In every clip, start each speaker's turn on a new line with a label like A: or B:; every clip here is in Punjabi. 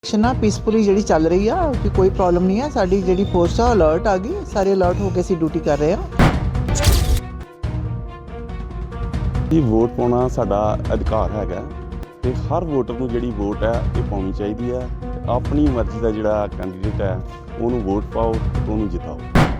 A: ਇਲੈਕਸ਼ਨ ਪੀਸਫੁਲੀ ਜਿਹੜੀ ਚੱਲ ਰਹੀ ਆ ਕਿ ਕੋਈ ਪ੍ਰੋਬਲਮ ਨਹੀਂ ਹੈ। ਸਾਡੀ ਜਿਹੜੀ ਫੋਰਸ ਆ ਅਲਰਟ ਆ ਗਈ, ਸਾਰੇ ਅਲਰਟ ਹੋ ਕੇ ਅਸੀਂ ਡਿਊਟੀ ਕਰ ਰਹੇ ਹਾਂ।
B: ਜੀ ਵੋਟ ਪਾਉਣਾ ਸਾਡਾ ਅਧਿਕਾਰ ਹੈਗਾ ਤੇ ਹਰ ਵੋਟਰ ਨੂੰ ਜਿਹੜੀ ਵੋਟ ਹੈ ਇਹ ਪਾਉਣੀ ਚਾਹੀਦੀ ਹੈ। ਆਪਣੀ ਮਰਜ਼ੀ ਦਾ ਜਿਹੜਾ ਕੈਂਡੀਡੇਟ ਹੈ ਉਹਨੂੰ ਵੋਟ ਪਾਓ, ਉਹਨੂੰ ਜਿਤਾਓ।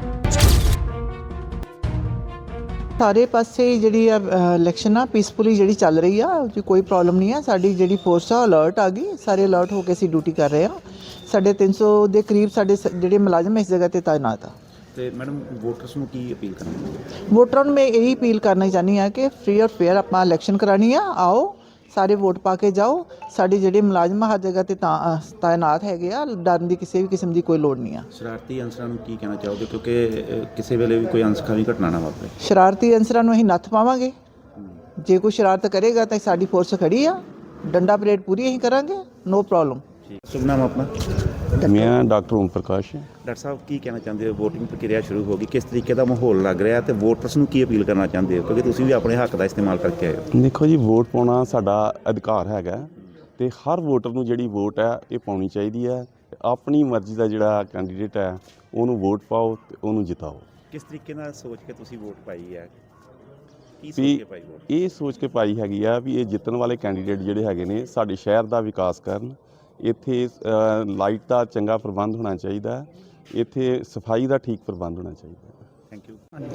A: ਸਾਰੇ ਪਾਸੇ ਜਿਹੜੀ ਇਲੈਕਸ਼ਨ ਪੀਸਫੁਲੀ ਜਿਹੜੀ ਚੱਲ ਰਹੀ ਆ ਕਿ ਕੋਈ ਪ੍ਰੋਬਲਮ ਨਹੀਂ ਹੈ। ਸਾਡੀ ਜਿਹੜੀ ਫੋਰਸ ਆ ਅਲਰਟ ਆ ਗਈ, ਸਾਰੇ ਅਲਰਟ ਹੋ ਕੇ ਅਸੀਂ ਡਿਊਟੀ ਕਰ ਰਹੇ ਹਾਂ। ਸਾਡੇ 300 ਦੇ ਕਰੀਬ ਸਾਡੇ ਜਿਹੜੇ ਮੁਲਾਜ਼ਮ ਇਸ ਜਗ੍ਹਾ ਤੇ ਤਾਇਨਾਤ ਆ।
C: ਤੇ ਮੈਡਮ ਵੋਟਰਸ ਨੂੰ ਕੀ ਅਪੀਲ ਕਰਨੀ?
A: ਵੋਟਰਾਂ ਨੂੰ ਮੈਂ ਇਹੀ ਅਪੀਲ ਕਰਨਾ ਚਾਹੁੰਦੀ ਹਾਂ ਕਿ ਫ੍ਰੀ ਔਰ ਫੇਅਰ ਆਪਾਂ ਇਲੈਕਸ਼ਨ ਕਰਾਉਣੀ ਆ। ਆਓ ਸਾਰੇ ਵੋਟ ਪਾ ਕੇ ਜਾਓ। ਸਾਡੇ ਜਿਹੜੇ ਮੁਲਾਜ਼ਮ ਹਰ ਜਗ੍ਹਾ ਤੇ ਤਾਇਨਾਤ ਹੈਗੇ ਆ, ਡਰਨ ਦੀ ਕਿਸੇ ਵੀ ਕਿਸਮ ਦੀ ਕੋਈ ਲੋੜ ਨਹੀਂ ਆ।
C: ਸ਼ਰਾਰਤੀ ਅਨਸਰਾਂ ਨੂੰ ਕੀ ਕਹਿਣਾ ਚਾਹੋਗੇ, ਕਿਉਂਕਿ ਕਿਸੇ ਵੇਲੇ ਵੀ ਕੋਈ ਅਣਸੁਖਾਵੀ ਘਟਨਾ ਨਾ ਵਾਪਰੇ?
A: ਸ਼ਰਾਰਤੀ ਅਨਸਰਾਂ ਨੂੰ ਅਸੀਂ ਨੱਥ ਪਾਵਾਂਗੇ। ਜੇ ਕੋਈ ਸ਼ਰਾਰਤ ਕਰੇਗਾ ਤਾਂ ਸਾਡੀ ਫੋਰਸ ਖੜੀ ਆ, ਡੰਡਾ ਪਰੇਡ ਪੂਰੀ ਅਸੀਂ ਕਰਾਂਗੇ, ਨੋ ਪ੍ਰੋਬਲਮ।
C: ਸ਼ੁਭ ਨਾਮ ਆਪਣਾ?
B: ਮੈਂ ਡਾਕਟਰ ਓਮ ਪ੍ਰਕਾਸ਼।
C: ਡਾਕਟਰ ਸਾਹਿਬ ਕੀ ਕਹਿਣਾ ਚਾਹੁੰਦੇ ਹੋ? ਵੋਟਿੰਗ ਪ੍ਰਕਿਰਿਆ ਸ਼ੁਰੂ ਹੋ ਗਈ, ਕਿਸ ਤਰੀਕੇ ਦਾ ਮਾਹੌਲ ਲੱਗ ਰਿਹਾ ਤੇ ਵੋਟਰਸ ਨੂੰ ਕੀ ਅਪੀਲ ਕਰਨਾ ਚਾਹੁੰਦੇ ਹੋ, ਕਿਉਂਕਿ ਤੁਸੀਂ ਵੀ ਆਪਣੇ ਹੱਕ ਦਾ ਇਸਤੇਮਾਲ ਕਰਕੇ ਆਏ ਹੋ?
B: ਦੇਖੋ ਜੀ, ਵੋਟ ਪਾਉਣਾ ਸਾਡਾ ਅਧਿਕਾਰ ਹੈਗਾ ਤੇ ਹਰ ਵੋਟਰ ਨੂੰ ਜਿਹੜੀ ਵੋਟ ਹੈ ਇਹ ਪਾਉਣੀ ਚਾਹੀਦੀ ਹੈ। ਆਪਣੀ ਮਰਜ਼ੀ ਦਾ ਜਿਹੜਾ ਕੈਂਡੀਡੇਟ ਹੈ ਉਹਨੂੰ ਵੋਟ ਪਾਓ ਤੇ ਉਹਨੂੰ ਜਿਤਾਓ।
C: ਕਿਸ ਤਰੀਕੇ ਨਾਲ ਸੋਚ ਕੇ ਤੁਸੀਂ ਵੋਟ ਪਾਈ ਹੈ? ਕੀ ਸੋਚ
B: ਵੀ
C: ਕੇ ਪਾਈ ਵੋਟ?
B: ਇਹ ਸੋਚ ਕੇ ਪਾਈ ਹੈਗੀ ਆ ਵੀ ਇਹ ਜਿੱਤਣ ਵਾਲੇ ਕੈਂਡੀਡੇਟ ਜਿਹੜੇ ਹੈਗੇ ਨੇ ਸਾਡੇ ਸ਼ਹਿਰ ਦਾ ਵਿਕਾਸ ਕਰਨ। ਇੱਥੇ ਲਾਈਟ ਦਾ ਚੰਗਾ ਪ੍ਰਬੰਧ ਹੋਣਾ ਚਾਹੀਦਾ, ਇੱਥੇ ਸਫਾਈ ਦਾ ਠੀਕ ਪ੍ਰਬੰਧ ਹੋਣਾ ਚਾਹੀਦਾ।
C: ਥੈਂਕ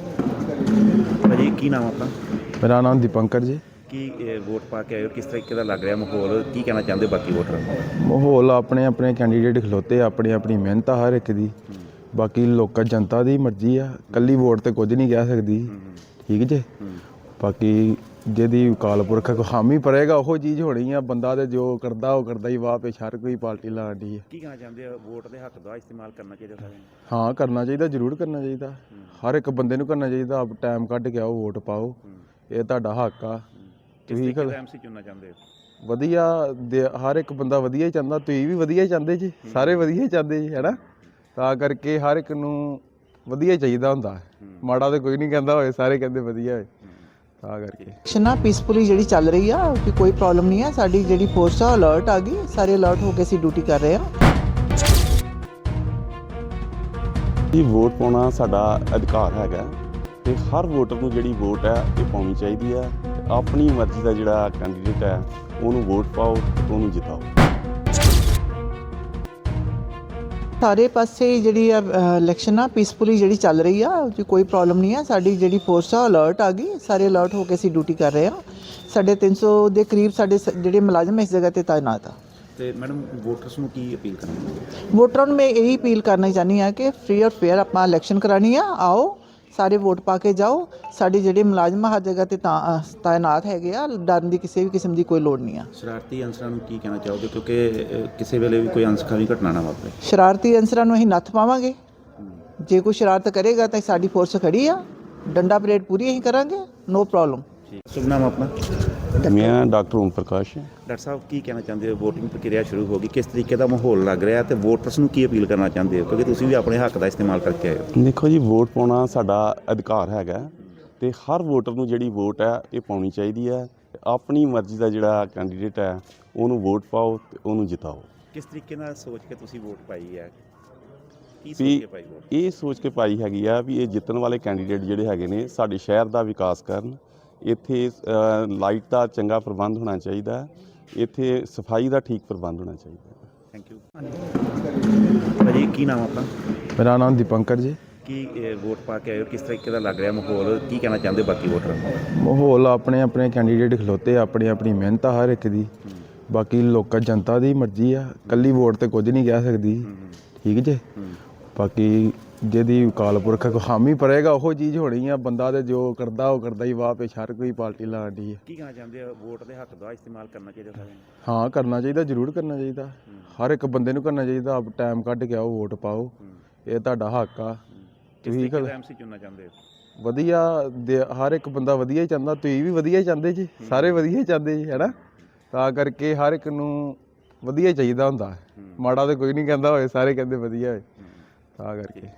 C: ਯੂ ਭਾਜੀ। ਕੀ ਨਾਮ ਆਪਣਾ?
D: ਮੇਰਾ ਨਾਮ ਦੀਪੰਕਰ ਜੀ।
C: ਕੀ ਵੋਟ ਪਾ ਕੇ ਆਏ ਹੋ, ਕਿਸ ਤਰੀਕੇ ਦਾ ਲੱਗ ਰਿਹਾ ਮਾਹੌਲ, ਕੀ ਕਹਿਣਾ ਚਾਹੁੰਦੇ ਹੋ ਬਾਕੀ ਵੋਟਰਾਂ ਨੂੰ?
D: ਮਾਹੌਲ ਆਪਣੇ ਆਪਣੇ ਕੈਂਡੀਡੇਟ ਖਲੋਤੇ, ਆਪਣੀ ਆਪਣੀ ਮਿਹਨਤ ਆ ਹਰ ਇੱਕ ਦੀ। ਬਾਕੀ ਲੋਕਾਂ ਜਨਤਾ ਦੀ ਮਰਜ਼ੀ ਆ, ਇਕੱਲੀ ਵੋਟ ਤੇ ਕੁਝ ਨਹੀਂ ਕਹਿ ਸਕਦੀ। ਠੀਕ ਜੇ। ਬਾਕੀ ਜਿਹਦੀ ਅਕਾਲ ਪੁਰਖ ਹਾਮੀ ਭਰੇਗਾ ਉਹ ਚੀਜ਼ ਹੋਣੀ ਆ। ਬੰਦਾ ਤੇ ਜੋ ਕਰਦਾ ਉਹ ਕਰਦਾ ਹੀ, ਵਾਹ ਪੇਸ਼ ਹਰ ਕੋਈ ਪਾਰਟੀ ਲਾਉਂਦੀ ਹੈ।
C: ਕੀ ਕਹਿਣਾ ਚਾਹੁੰਦੇ ਹੋ? ਵੋਟ ਦੇ ਹੱਕ ਦਾ ਇਸਤੇਮਾਲ ਕਰਨਾ ਚਾਹੀਦਾ ਸਾਰਿਆਂ ਨੂੰ?
D: ਹਾਂ, ਕਰਨਾ ਚਾਹੀਦਾ, ਜ਼ਰੂਰ ਕਰਨਾ ਚਾਹੀਦਾ। ਹਰ ਇੱਕ ਬੰਦੇ ਨੂੰ ਕਰਨਾ ਚਾਹੀਦਾ। ਆਪ ਟਾਈਮ ਕੱਢ ਕੇ ਆਓ, ਵੋਟ ਪਾਓ, ਇਹ ਤੁਹਾਡਾ ਹੱਕ ਆ। ਤੁਸੀਂ
C: ਐਮਸੀ ਚੁਣਨਾ ਚਾਹੁੰਦੇ ਹੋ?
D: ਵਧੀਆ ਹਰ ਇੱਕ ਬੰਦਾ ਵਧੀਆ ਹੀ ਚਾਹੁੰਦਾ, ਤੁਸੀਂ ਵੀ ਵਧੀਆ ਹੀ ਚਾਹੁੰਦੇ ਜੀ, ਸਾਰੇ ਵਧੀਆ ਹੀ ਚਾਹੁੰਦੇ ਜੀ, ਹੈ ਨਾ। ਤਾਂ ਕਰਕੇ ਹਰ ਇੱਕ ਨੂੰ ਵਧੀਆ ਹੀ ਚਾਹੀਦਾ ਹੁੰਦਾ, ਮਾੜਾ ਤਾਂ ਕੋਈ ਨਹੀਂ ਕਹਿੰਦਾ ਹੋਏ, ਸਾਰੇ ਕਹਿੰਦੇ ਵਧੀਆ ਹੋਏ। ਤਾਂ ਕਰਕੇ
A: ਇਲੈਕਸ਼ਨ ਪੀਸਫੁਲੀ ਜਿਹੜੀ ਚੱਲ ਰਹੀ ਆ ਕਿ ਕੋਈ ਪ੍ਰੋਬਲਮ ਨਹੀਂ ਹੈ। ਸਾਡੀ ਜਿਹੜੀ ਫੋਰਸ ਆ ਅਲਰਟ ਆ ਗਈ, ਸਾਰੇ ਅਲਰਟ ਹੋ ਕੇ ਅਸੀਂ ਡਿਊਟੀ ਕਰ ਰਹੇ ਹਾਂ।
B: ਜੀ ਵੋਟ ਪਾਉਣਾ ਸਾਡਾ ਅਧਿਕਾਰ ਹੈਗਾ ਤੇ ਹਰ ਵੋਟਰ ਨੂੰ ਜਿਹੜੀ ਵੋਟ ਹੈ ਇਹ ਪਾਉਣੀ ਚਾਹੀਦੀ ਹੈ। ਆਪਣੀ ਮਰਜ਼ੀ ਦਾ ਜਿਹੜਾ ਕੈਂਡੀਡੇਟ ਹੈ ਉਹਨੂੰ ਵੋਟ ਪਾਓ ਤੇ ਉਹਨੂੰ ਜਿਤਾਓ।
A: ਸਾਰੇ ਪਾਸੇ ਜਿਹੜੀ ਇਲੈਕਸ਼ਨ ਪੀਸਫੁਲੀ ਜਿਹੜੀ ਚੱਲ ਰਹੀ ਆ ਕਿ ਕੋਈ ਪ੍ਰੋਬਲਮ ਨਹੀਂ ਹੈ। ਸਾਡੀ ਜਿਹੜੀ ਫੋਰਸ ਆ ਅਲਰਟ ਆ ਗਈ, ਸਾਰੇ ਅਲਰਟ ਹੋ ਕੇ ਅਸੀਂ ਡਿਊਟੀ ਕਰ ਰਹੇ ਹਾਂ। ਸਾਡੇ 300 ਦੇ ਕਰੀਬ ਸਾਡੇ ਜਿਹੜੇ ਮੁਲਾਜ਼ਮ ਇਸ ਜਗ੍ਹਾ ਤੇ ਤਾਇਨਾਤ ਆ।
C: ਤੇ ਮੈਡਮ ਵੋਟਰਸ ਨੂੰ ਕੀ ਅਪੀਲ ਕਰਨੀ?
A: ਵੋਟਰਾਂ ਨੂੰ ਮੈਂ ਇਹੀ ਅਪੀਲ ਕਰਨਾ ਚਾਹੁੰਦੀ ਹਾਂ ਕਿ ਫ੍ਰੀ ਔਰ ਫੇਅਰ ਆਪਾਂ ਇਲੈਕਸ਼ਨ ਕਰਾਉਣੀ ਆ। ਆਓ ਸਾਰੇ ਵੋਟ ਪਾ ਕੇ ਜਾਓ। ਸਾਡੇ ਜਿਹੜੇ ਮੁਲਾਜ਼ਮ ਹਰ ਜਗ੍ਹਾ ਤੇ ਤਾਇਨਾਤ ਹੈਗੇ ਆ, ਡਰਨ ਦੀ ਕਿਸੇ ਵੀ ਕਿਸਮ ਦੀ ਕੋਈ ਲੋੜ ਨਹੀਂ ਆ।
C: ਸ਼ਰਾਰਤੀ ਅਨਸਰਾਂ ਨੂੰ ਕੀ ਕਹਿਣਾ ਚਾਹੋਗੇ, ਕਿਉਂਕਿ ਕਿਸੇ ਵੇਲੇ ਵੀ ਕੋਈ ਅਣਸੁਖਾਵੀ ਘਟਨਾ ਨਾ ਵਾਪਰੇ?
A: ਸ਼ਰਾਰਤੀ ਅਨਸਰਾਂ ਨੂੰ ਅਸੀਂ ਨੱਥ ਪਾਵਾਂਗੇ। ਜੇ ਕੋਈ ਸ਼ਰਾਰਤ ਕਰੇਗਾ ਤਾਂ ਸਾਡੀ ਫੋਰਸ ਖੜੀ ਆ, ਡੰਡਾ ਪਰੇਡ ਪੂਰੀ ਅਸੀਂ ਕਰਾਂਗੇ, ਨੋ ਪ੍ਰੋਬਲਮ।
C: ਸ਼ੁਭ ਨਾਮ ਆਪਣਾ?
B: ਮੈਂ ਡਾਕਟਰ ਓਮ ਪ੍ਰਕਾਸ਼।
C: ਡਾਕਟਰ ਸਾਹਿਬ ਕੀ ਕਹਿਣਾ ਚਾਹੁੰਦੇ ਹੋ? ਵੋਟਿੰਗ ਪ੍ਰਕਿਰਿਆ ਸ਼ੁਰੂ ਹੋ ਗਈ, ਕਿਸ ਤਰੀਕੇ ਦਾ ਮਾਹੌਲ ਲੱਗ ਰਿਹਾ ਤੇ ਵੋਟਰਸ ਨੂੰ ਕੀ ਅਪੀਲ ਕਰਨਾ ਚਾਹੁੰਦੇ ਹੋ, ਕਿਉਂਕਿ ਤੁਸੀਂ ਵੀ ਆਪਣੇ ਹੱਕ ਦਾ ਇਸਤੇਮਾਲ ਕਰਕੇ ਆਏ ਹੋ?
B: ਦੇਖੋ ਜੀ, ਵੋਟ ਪਾਉਣਾ ਸਾਡਾ ਅਧਿਕਾਰ ਹੈਗਾ ਤੇ ਹਰ ਵੋਟਰ ਨੂੰ ਜਿਹੜੀ ਵੋਟ ਹੈ ਇਹ ਪਾਉਣੀ ਚਾਹੀਦੀ ਹੈ। ਆਪਣੀ ਮਰਜ਼ੀ ਦਾ ਜਿਹੜਾ ਕੈਂਡੀਡੇਟ ਹੈ ਉਹਨੂੰ ਵੋਟ ਪਾਓ ਤੇ ਉਹਨੂੰ ਜਿਤਾਓ।
C: ਕਿਸ ਤਰੀਕੇ ਨਾਲ ਸੋਚ ਕੇ ਤੁਸੀਂ ਵੋਟ ਪਾਈ ਹੈ? ਕੀ ਸੋਚ
B: ਵੀ
C: ਕੇ ਪਾਈ ਵੋਟ?
B: ਇਹ ਸੋਚ ਕੇ ਪਾਈ ਹੈਗੀ ਆ ਵੀ ਇਹ ਜਿੱਤਣ ਵਾਲੇ ਕੈਂਡੀਡੇਟ ਜਿਹੜੇ ਹੈਗੇ ਨੇ ਸਾਡੇ ਸ਼ਹਿਰ ਦਾ ਵਿਕਾਸ ਕਰਨ। ਇੱਥੇ ਲਾਈਟ ਦਾ ਚੰਗਾ ਪ੍ਰਬੰਧ ਹੋਣਾ ਚਾਹੀਦਾ, ਇੱਥੇ ਸਫਾਈ ਦਾ ਠੀਕ ਪ੍ਰਬੰਧ ਹੋਣਾ ਚਾਹੀਦਾ।
C: ਥੈਂਕ ਯੂ ਭਾਜੀ। ਕੀ ਨਾਮ ਆਪਣਾ?
D: ਮੇਰਾ ਨਾਮ ਦੀਪੰਕਰ ਜੀ।
C: ਕੀ ਵੋਟ ਪਾ ਕੇ ਆਏ ਹੋ, ਕਿਸ ਤਰੀਕੇ ਦਾ ਲੱਗ ਰਿਹਾ ਮਾਹੌਲ, ਕੀ ਕਹਿਣਾ ਚਾਹੁੰਦੇ ਹੋ ਬਾਕੀ ਵੋਟਰਾਂ ਨੂੰ?
D: ਮਾਹੌਲ ਆਪਣੇ ਆਪਣੇ ਕੈਂਡੀਡੇਟ ਖਲੋਤੇ, ਆਪਣੀ ਆਪਣੀ ਮਿਹਨਤ ਆ ਹਰ ਇੱਕ ਦੀ। ਬਾਕੀ ਲੋਕਾਂ ਜਨਤਾ ਦੀ ਮਰਜ਼ੀ ਆ, ਇਕੱਲੀ ਵੋਟ ਤੇ ਕੁਝ ਨਹੀਂ ਕਹਿ ਸਕਦੀ। ਠੀਕ ਜੇ। ਬਾਕੀ ਜਿਹਦੀ ਅਕਾਲ ਪੁਰਖ ਹਾਮੀ ਭਰੇਗਾ ਉਹ ਚੀਜ਼ ਹੋਣੀ ਆ। ਬੰਦਾ ਤੇ ਜੋ ਕਰਦਾ ਉਹ ਕਰਦਾ ਹੀ, ਵਾਹ ਪੇਸ਼ ਹਰ ਕੋਈ ਪਾਰਟੀ ਲਾਉਂਦੀ ਹੈ।
C: ਕੀ ਕਹਿਣਾ ਚਾਹੁੰਦੇ ਹੋ? ਵੋਟ ਦੇ ਹੱਕ ਦਾ ਇਸਤੇਮਾਲ ਕਰਨਾ ਚਾਹੀਦਾ ਸਾਰਿਆਂ ਨੂੰ?
D: ਹਾਂ, ਕਰਨਾ ਚਾਹੀਦਾ, ਜ਼ਰੂਰ ਕਰਨਾ ਚਾਹੀਦਾ। ਹਰ ਇੱਕ ਬੰਦੇ ਨੂੰ ਕਰਨਾ ਚਾਹੀਦਾ। ਆਪ ਟਾਈਮ ਕੱਢ ਕੇ ਆਓ, ਵੋਟ ਪਾਓ, ਇਹ ਤੁਹਾਡਾ ਹੱਕ ਆ। ਤੁਸੀਂ
C: ਐਮਸੀ ਚੁਣਨਾ ਚਾਹੁੰਦੇ ਹੋ?
D: ਵਧੀਆ ਹਰ ਇੱਕ ਬੰਦਾ ਵਧੀਆ ਹੀ ਚਾਹੁੰਦਾ, ਤੁਸੀਂ ਵੀ ਵਧੀਆ ਹੀ ਚਾਹੁੰਦੇ ਜੀ, ਸਾਰੇ ਵਧੀਆ ਹੀ ਚਾਹੁੰਦੇ ਜੀ, ਹੈ ਨਾ। ਤਾਂ ਕਰਕੇ ਹਰ ਇੱਕ ਨੂੰ ਵਧੀਆ ਹੀ ਚਾਹੀਦਾ ਹੁੰਦਾ, ਮਾੜਾ ਤਾਂ ਕੋਈ ਨਹੀਂ ਕਹਿੰਦਾ ਹੋਏ, ਸਾਰੇ ਕਹਿੰਦੇ ਵਧੀਆ ਹੋਏ। ਤਾਂ ਕਰਕੇ